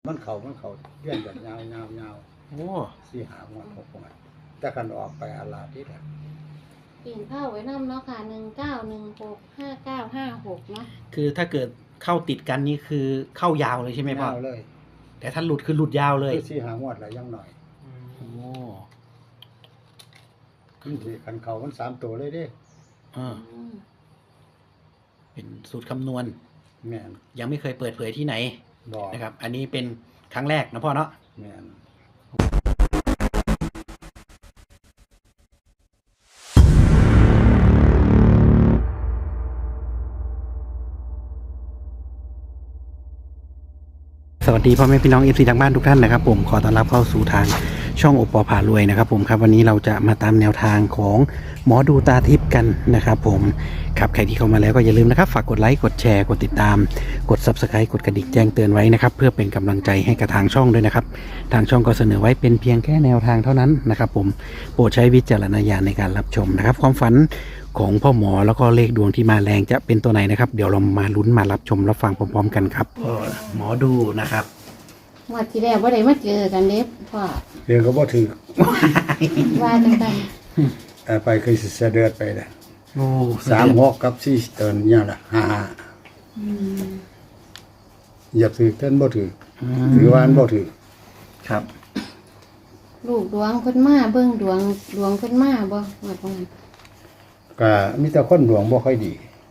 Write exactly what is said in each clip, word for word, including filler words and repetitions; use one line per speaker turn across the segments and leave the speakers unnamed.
มันเขามันเขาเลื่อนกันยาวยาวยาว
โอ้
สี่หางวดหกงวดแต่กันออกไปอาลาที่แหละ
ปิ่นเข้าไว้น้ำเนาะค่ะหนึ่งเก้าหนึ่งหกห้าเก้าห้าหกเนาะ
คือถ้าเกิดเข้าติดกันนี่คือเข้ายาวเลยใช่ไหมพ่อย
าวเลย
แต่ถ้าหลุดคือหลุดยาวเลย
คือสี่หางวดอะไรยังหน่อย
โอ้
ขึ้นที่ขันเขามันสามตัวเลยเด้
อ่า
อืม
เป็นสูตรคำนวณ
แม่น
ยังไม่เคยเปิดเผยที่ไหน
บอก
นะครับ อันนี้เป็นครั้งแรกนะพ่อเนาะ
แม่น
สวัสดีพ่อแม่พี่น้องเอฟซีทางบ้านทุกท่านนะครับผมขอต้อนรับเข้าสู่ทางช่องโอปอพารวยนะครับผมครับวันนี้เราจะมาตามแนวทางของหมอดูตาทิพย์กันนะครับผมครับใครที่เข้ามาแล้วก็อย่าลืมนะครับฝากกดไลค์กดแชร์กดติดตามกด ซับสไครบ์ กดกระดิ่งแจ้งเตือนไว้นะครับเพื่อเป็นกำลังใจให้กับทางช่องด้วยนะครับทางช่องก็เสนอไว้เป็นเพียงแค่แนวทางเท่านั้นนะครับผมโปรดใช้วิจารณญาณในการรับชมนะครับความฝันของพ่อหมอแล้วก็เลขดวงที่มาแรงจะเป็นตัวไหนนะครับเดี๋ยวเรามาลุ้นมารับชมรับฟังพร้อมๆกันครับหมอดูนะครับ
งวัดที่แรกว่าได้มาเจอกันเด็บพ่อ
เรียนก็บ่ถือ
ว่าจังกัน
เอ่อไปคือสิเสยเดือดไปเลย
โอ้
สามหกกับสี่เตินเนี่ยละห้าห้า
อืม
อย่าถือเต้นบ่ถือถือวาอันบ่ถือ
ครับ
ลูกดวงเพิ่นมาเบิ่งดวงดวงเพิ่นมาบ่งวัดว่างั้น
ก็มีแต่คนดวงบ่ค่อยดี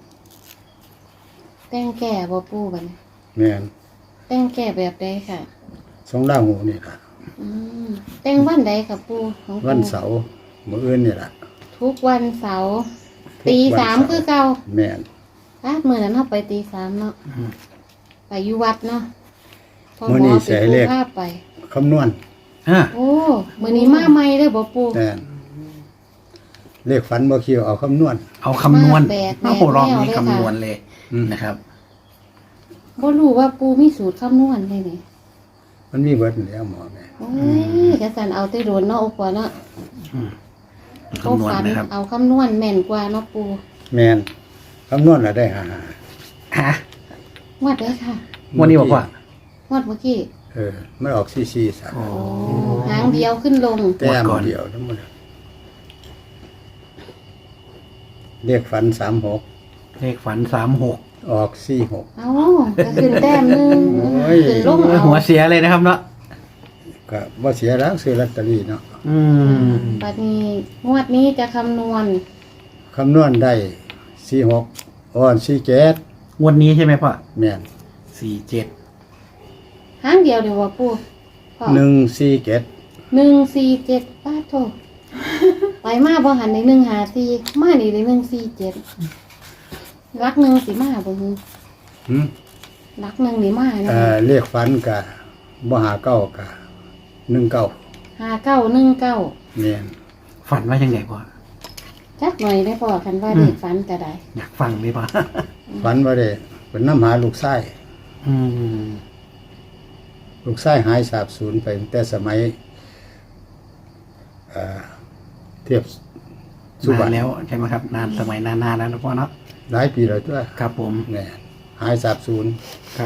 แต่งแก่บ่ปู่บัดนี้
แม่น
แต่งแก่แบบใดค่ะ
สองล่างหูนี่ล่ะ
อืมแต่งวันใดค่ะปู่ของปู่
วันเสาร์มื้ออื่นนี่ล่ะ
ทุกวันเสาร์
ทุก
ตี
วัน
สาม
เสาร์
คือเก่า
แม่น
อ่ะมื้อนั้นเฮาไปตีสามเนาะไปอยู่วัดเนาะพ่อ
มื้อ
หม
นี้
อ
เสี
เป็
ย
น
เล
ผู้
ข
พาไป
คำนวณ
อ่า
โอ้มื้อนี้มาใหม่เด้อบ่ปู่
แม่นเลขฝันบ่เกี่ยวเอาคำนวณ
เอาคำนวณ
มาแบกแบก
โอ้โหรอบนี้
แนวเลยค่ะ
คำนวณเลย
อืม
นะครับ
บ่รู้ว่าปู่มีสูตรคำนวณเลยนี่
มันมีเบิดแล้วหมอแม่
โอ้ยกระสันเอาแต่โดนเนาะโอ้กว่าเนาะ
คำนวณนะครับ
เอาคำนวณแม่นกว่าเนาะปู่
แม่นคำนวณน่ะได้ห้าห้า
ฮะ
งวดเด้อค่ะ
วันนี้บอกว่า
งวดเมื่อกี้
เออมันออกสี่สี่สาม
โอ้
โอ้หางเดียวขึ้นลง
แต้ม
ก่อน
เดียวทั้งหมดเลขฝันสามหก
เลขฝันสามหก
ออกสี่หก
เอ้าก็ขึ้นแต้มหนึง
โอ้ย
ขึ้นลงเอา
หัวเสียเลยนะครับเนาะ
ก็บ่เสียแล้วซื้อลอตเตอรี่เนาะ
อืม
บัดนี้งวดนี้จะคำนวณ
คำนวณได้สี่หกอ่อนสี่เจ็ด
งวดนี้ใช่ไหมพ่อ
แม่น
สี่เจ็ด
หางเดียวเดี๋ยวว่าปู่พ่อ
หนึ่งสี่เจ็ด
หนึ่งสี่เจ็ดป้าโทไปมาบ่หันในหนึ่งหาสี่มานี่ได้หนึ่งสี่เจ็ดรักหนึ่งสิมาบ่ฮึ
หืม
รักหนึ่งนี่มานะ
เอ่อเลขฝันกะบ่หาเก้ากะหนึ่งเก้า
หาเก้าหนึ่งเก้า
แม่น
ฝันว่ายังไงพ่อ
จักหน่อยได้พอคันว่าเด็กฝันก็ได้
อยากฟังไหมพ่อ
ฝันว่าได้เป็นน้ำหาลูกชาย
อืม
ลูกชายหายสาบสูญไปตั้งแต่สมัยเอ่อเทียบสุบั
นาน
น
แล้วใช่ไหมครับ นานสมัยนานๆแล้วนะพ่อเนาะ
หลายปีแล้วตัว
ครับผม
แน่หายสาบสูญ
ครับ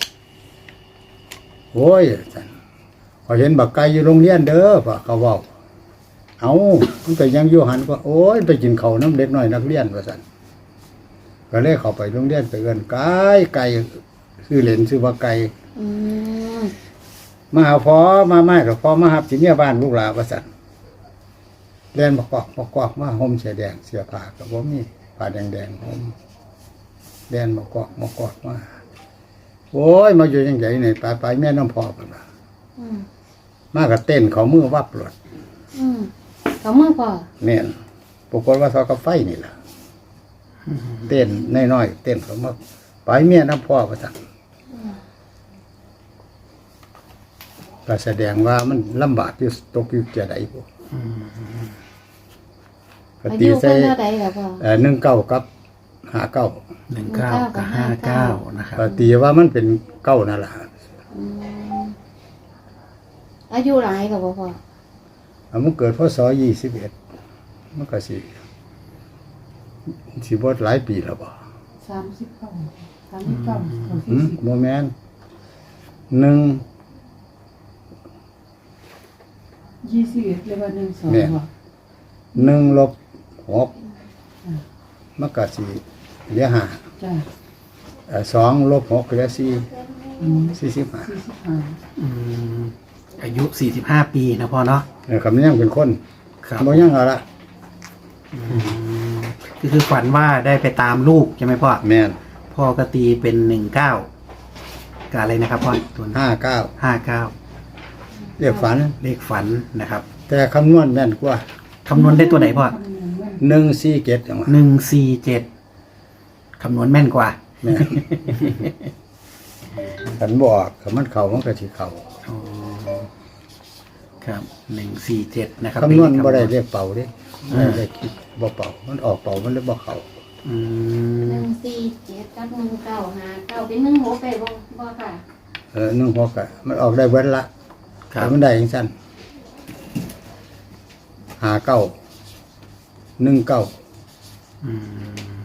โอ้ยจันพอเห็นบักไก่อยู่โรงเรียนเด้อพ่อเขาเว้าเอามันไปยังอยู่หันก็โอ้ยไปกินข้าวน้ำเด็กน้อยนักเรียนว่าซั่นก็เลยเข้าไปโรงเรียนไปเอิ้นไก่ไก่ชื่อเล่นชื่อว่าไก่
อืม
มาหาพ่อมาไม่ก็พ่อมาหับสิเมียบ้านลูกหลานว่าซั่นเรียนบ่กอกบ่กอกมาห่มเสื้อแดงเสื้อผ้าก็บ่มีผ้าแดงๆห่มเรียนบ่กอกบ่กอกมาโอ้ยมาอยู่จังไดนี่ไปไปแม่น้ำพ่อพุ่นว่า
อืม
มาก็เต้นเขามือวับรถ
อืมเขามือพอ
แม่นปรากฏว่าเขากับไฟนี่ล่ะเต้นน้อยๆเต้นเขามาไปเมียน้ำพ่อว่าซั่นก็แสดงว่ามันลำบากอยู่ตกอยู่เจใดบ่ก็
อา
ตี
ยุ
ใส่
เพิ่นเท่าใดล่ะพ่อ
เอ่อหนึ่งเก้ากับห้าเก้า
หนึ่งเก้ากับห้าเก้านะครับ
ก็ตีว่ามันเป็นเก้านั่นล่ะ
อืมอายุหลายก็บ่พ่อ
อ่ะมันเกิดพศยี่สิบเอ็ดมันก็สิสิบ่หลายปีแล้วบ่
สามสิบเก้าสามสิบเก้า
หืมบ่แม่นหนึ่ง
ยี่สิบเอ็ดเลยว่าหนึ่งสอง
แม่น
บ่
หนึ่งลบหกมันก็สี่เหลือห้า
จ้ะ
เอ่อสองลบหกเหลือสี่
อืม
สี่สิบห้า
สี่สิบห้า
อืมอายุสี่สิบห้าปีนะพ่อเนาะ
เออคำนี้ยังเป็นคน
ครับ
บ่ยังเอาละ
อืมก็คือฝันว่าได้ไปตามลูกใช่ไหมพ่อ
แม่น
พ่อก็ตีเป็นหนึ่งเก้ากับอะไรนะครับพ่อตัว
ห้าเก้า
ห้าเก้า
เรียกฝัน
เลขฝันนะครับ
แต่คำนวณแม่นกว่า
คำนวณได้ตัวไหนพ่อ
หนึ่งสี่เจ็ดอย่างว่า
หนึ่งสี่เจ็ดคำนวณแม่นกว่า
แม่นขันบอกขันมันเข่ามันก็สิเข่า
อ๋อครับหนึ่งสี่เจ็ดนะครับ
คำนวณ
เป็
บ่ได้
คำ
เรียกเป่าเด้ไม่ได้คิดบ่เป่ามันออกเป่ามันเลยบ่เข่า
อืม
หนึ่งสี่เจ็ดกับหนึ่งเก้าหาเก้าเป็นหนึ่งหกไปบ่บ่ค่ะ
เออหนึ่งหกอะมันออกได้เว้นละ
ครับ
แต่มันได้อย่างสั้นหาเก้าหนึ่งเก้า
อืม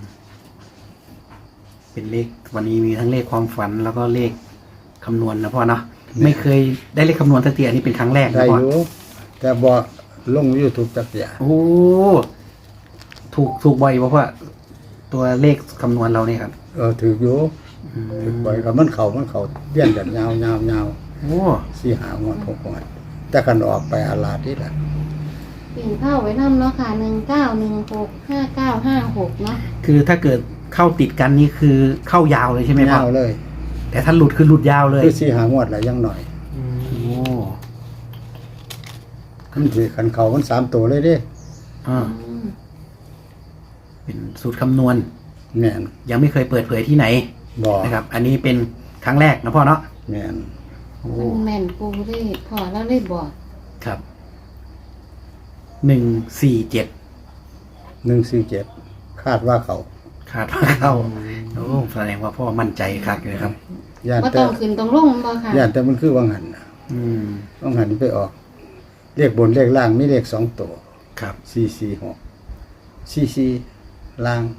เป็นเลขวันนี้มีทั้งเลขความฝันแล้วก็เลขคำนวณนะพ่อเนาะไม่เคยได้เลขคำนวณสักทีอันนี้เป็นครั้งแรก
ได้
นะพ่อ
อยู่แต่บ่ลงยูทูบจักอย่าง
โอ้ถูกถูกบ่อยป่ะพ่อตัวเลขคำนวณเราเนี่ยครับ
เออถืออยู่
อืม
ถือบ่อยกับมันเข่ามันเข่าเลี้ยนกันยาวยาวยาว
โอ้
สี่หางวดหกงวดแต่กันออกไปอาลาดนี่แหละ
ปิ่นเข้าไว้นำเนาะค่ะหนึ่งเก้าหนึ่งหกห้าเก้าห้าหกเนาะ
คือถ้าเกิดเข้าติดกันนี่คือเข้ายาวเลยใช่ไหมพ่อย
าวเลย
แต่ถ้าหลุดคือหลุดยาวเลย
คือสี่หางวดแหละยังหน่อย
โอ้
มันถือขันเขามันสามตัวเลยเด้
อ่า
อืม
เป็นสูตรคำนวณ
แม่น
ยังไม่เคยเปิดเผยที่ไหน
บอก
นะครับ อันนี้เป็นครั้งแรกนะพ่อเนาะ
แม่น
โอ้
มันแม่นปูได้พอแล้วได้บอก
ครับหนึ่งสี่เจ็ด
หนึ่งสี่เจ็ดคาดว่าเขา
คาดว่าเข้าโอ้แสดงว่าพ่อมั่นใจคักเลยครับ
ย่าน
ว่า
แต่
ต้องขึ้นต้องลงบ่ค่ะ
ย่านแต่มันคือวังหันน่ะ
อืม
วังหันไปออกเลขบนเลขล่างมีเลขสองตัว
ครับ
สี่สี่หกสี่สี่ล่าง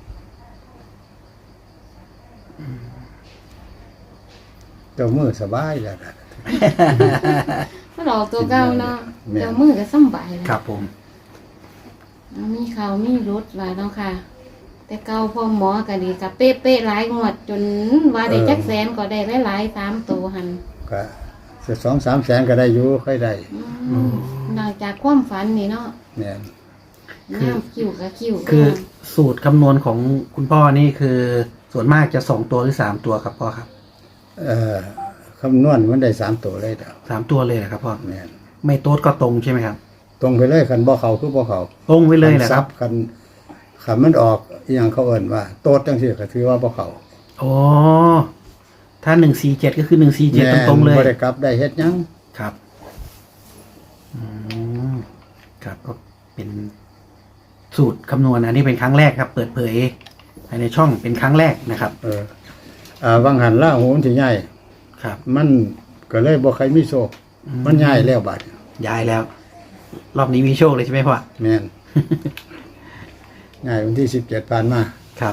เจ้ามือสบายแล้วนะ
มันออกตัวเก่าเนาะ
แม่น
เดี๋ยวมือก็สำบายแล้ว
ครับผม
มีข่าวมีรถหลายเนาะค่ะ แต่เก่าพ่อหมอก็ดีกับเป๊ะๆหลายงวด จนว่าได้จักแสนก็ได้หลายๆสามตัวหัน
ก็สิสองสามแสนก็ได้อยู่ค่อยได้
อืมนอกจากความฝันนี่เนาะ
เนี่ย
น้ำคิวกับคิว
คือสูตรคำนวณของคุณพ่อนี่คือส่วนมากจะสองตัวหรือสามตัวครับพ่อครับ
เอ่อคำนวณมันได้สามตัวเลยเด้อ
สามตัวเลยเหรอครับพ่อ
เนี่ย
ไม่โต๊ดก็ตรงใช่ไหมครับ
ตรงไปเลยคันบ่เขาคือบ่เขา
ตรงไปเลยเหรอ
คัน
ค
ซั
รั
บบ คันคันมันออกอหย่างเขาเอิ้นว่า โตดจังซี่ก็ถือว่าบ่เขา
อ๋อถ้าหนึ่งสี่เจ็ดก็คือหนึ่งสี่เจ็ด
แม่น
ตรงๆเลย
บ่ได้กลับได้เฮ็ดหยัง
ครับอืมครับก็เป็นสูตรคำนวณอันนี้เป็นครั้งแรกครับ เปิดเผยภายในช่องเป็นครั้งแรกนะครับ
เอออ่าวังหันล่าหูมันสิใหญ่
ครับ
มันก็เลยบ่ใครมีโชคมันใหญ่แล้วบัด
ย้ายแล้ว รอบนี้มีโชคเลยใช่ไหมพ่อ
แม่น ใหญ่วันที่สิบเจ็ดผ่านมา
ครับ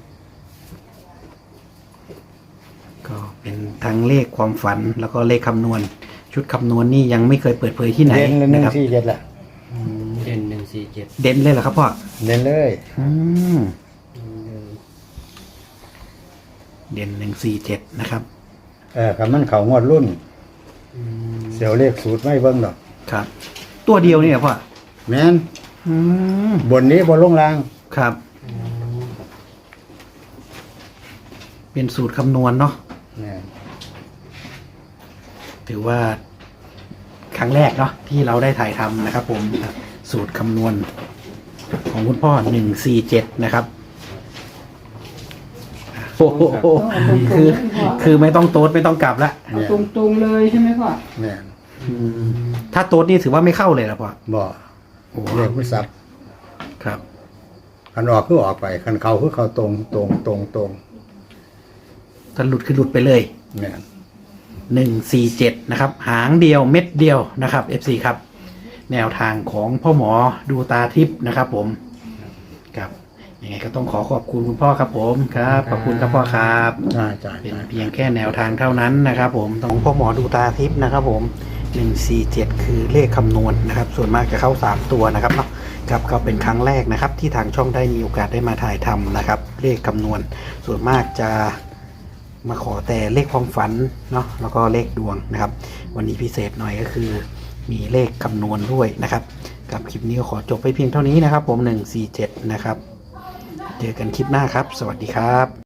ก็เป็นทั้งเลขความฝันแล้วก็เลขคำนวณ ชุดคำนวณนี่ยังไม่เคยเปิดเผยที่ไหน
เด่นเลยห
นะ
นึ่ง
ครับ
สี่เจ็ดล่ะ
เด่นหนึ่งสี่เจ็ด
เด่นเลยเหรอครับพ่อ
เด่นเลย
อืมเด่นหนึ่งสี่เจ็ดนะครับ
เออคันมันเขางวดรุ่นเสียวเลขสูตรไม่เบิ่งดอก
ครับ ตัวเดียวนี่เหรอพ่อ
แม่น
อืม
บนนี้บนลงล่าง
ครับ เป็นสูตรคำนวณเนาะ
แม่น
ถือว่าครั้งแรกเนาะที่เราได้ถ่ายทำนะครับ ผมสูตรคำนวณ ของคุณพ่อหนึ่งสี่เจ็ดนะครับโอ้โหคือ คือไม่ต้องโต๊ดไม่ต้องกลับละ
เอาตรงๆเลยใช่ไหมพ่อ
แม่น
ถ้าโต๊ดนี่ถือว่าไม่เข้าเลยเหรอพ่อ
บ่
โอ้
เลขไม่ซับ
ครับ
คันออกคือออกไปคันเขาคือเขาตรงตรงตรงตรง
ถ้าหลุดคือหลุดไปเลย
แม่น
หนึ่งสี่เจ็ดนะครับ หางเดียวเม็ดเดียวนะครับ เอฟ ซี ครับ แนวทางของพ่อหมอดูตาทิพย์นะครับ ผมครับยังไงก็ต้องขอขอบคุณคุณพ่อครับ ผมครับ ขอบคุณครับพ่อครับ
น่าจ่าย
เป็นเพียงแค่แนวทางเท่านั้นนะครับ ผมของพ่อหมอดูตาทิพย์นะครับ ผมหนึ่งสี่เจ็ดคือเลขคำนวณนะครับส่วนมากจะเข้าสามตัวนะครับเนาะครับก็เป็นครั้งแรกนะครับที่ทางช่องได้มีโอกาสได้มาถ่ายทำนะครับเลขคำนวณส่วนมากจะมาขอแต่เลขความฝันเนาะแล้วก็เลขดวงนะครับวันนี้พิเศษหน่อยก็คือมีเลขคำนวณด้วยนะครับกับคลิปนี้ก็ขอจบไปเพียงเท่านี้นะครับผมหนึ่งสี่เจ็ดนะครับเจอกันคลิปหน้าครับสวัสดีครับ